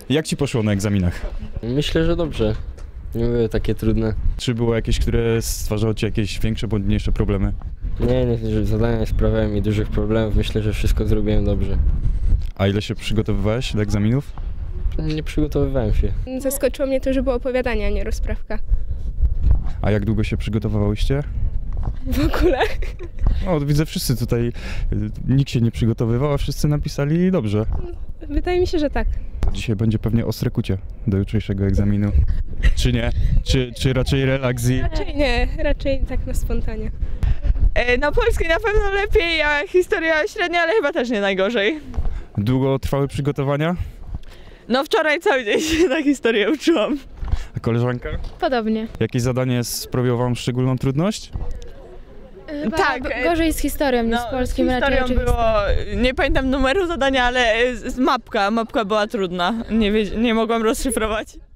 Jak ci poszło na egzaminach? Myślę, że dobrze. Nie były takie trudne. Czy było jakieś, które stwarzały ci jakieś większe bądź mniejsze problemy? Nie, zadania nie sprawiały mi dużych problemów. Myślę, że wszystko zrobiłem dobrze. A ile się przygotowywałeś do egzaminów? Nie przygotowywałem się. Zaskoczyło mnie to, że było opowiadanie, a nie rozprawka. A jak długo się przygotowywałyście? W ogóle. No, widzę wszyscy tutaj, nikt się nie przygotowywał, a wszyscy napisali dobrze. Wydaje mi się, że tak. Dzisiaj będzie pewnie ostre kucie do jutrzejszego egzaminu. Czy nie? Czy raczej relaks i... Raczej nie, raczej tak na spontanie. No polski na pewno lepiej, a historia średnia, ale chyba też nie najgorzej. Długo trwały przygotowania? No wczoraj cały dzień się na historię uczyłam. A koleżanka? Podobnie. Jakieś zadanie sprawiło wam szczególną trudność? Chyba Tak, gorzej z historią niż z polskim z raczej. historią było, nie pamiętam numeru zadania, ale mapka była trudna, nie mogłam rozszyfrować.